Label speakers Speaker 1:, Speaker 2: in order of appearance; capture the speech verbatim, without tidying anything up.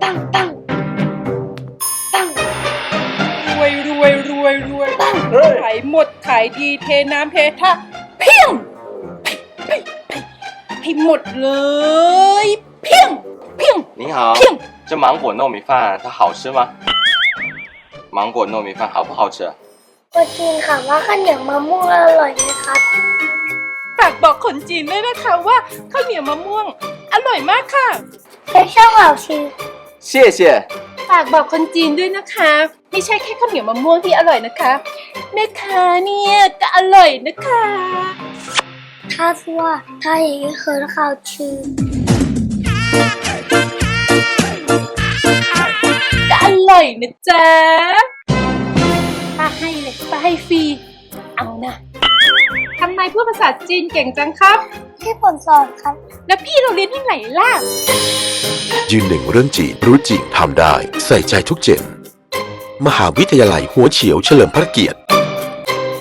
Speaker 1: ปังปังปัง
Speaker 2: รวยรวยรวยรวยขายหมดขายดีเทน้ำเทท่าเพียงให้หมดเลยเพียงเพียง
Speaker 3: 你好
Speaker 2: 骗，
Speaker 3: 这芒果糯米饭它好吃吗？芒果糯米饭好不好吃？
Speaker 1: คนจีนถามว่าข้าวเหนียวมะม่วงอร่อยไหมครับ
Speaker 2: ฝากบอกคนจีนด้วยนะคะว่าข้าวเหนียวมะม่วงอร่อยมากค่ะ
Speaker 1: และช่างเหล่าชี
Speaker 3: 谢谢。
Speaker 2: ฝากบอกคนจีนด้วยนะคะไม่ใช่แค่ข้าวเหนียวมะม่วงที่อร่อยนะคะแม่ค้าเนี่ยก็อร่อยนะคะ
Speaker 1: 他说他也很好吃。
Speaker 2: ก็อร่อยนะจ๊ะป้าให้เลยป้าให้ฟรีเอานะทำไมพูดภาษาจีนเก่งจังครับ
Speaker 1: ที่ผมสอนครับ
Speaker 2: แล้วพี่เราเรียนที่ไหนล่ะ
Speaker 4: ยืนหนึ่งเรื่องจีนรู้จริงทำได้ใส่ใจทุกเจนมหาวิทยาลัยหัวเฉียวเฉลิมพระเกียรติ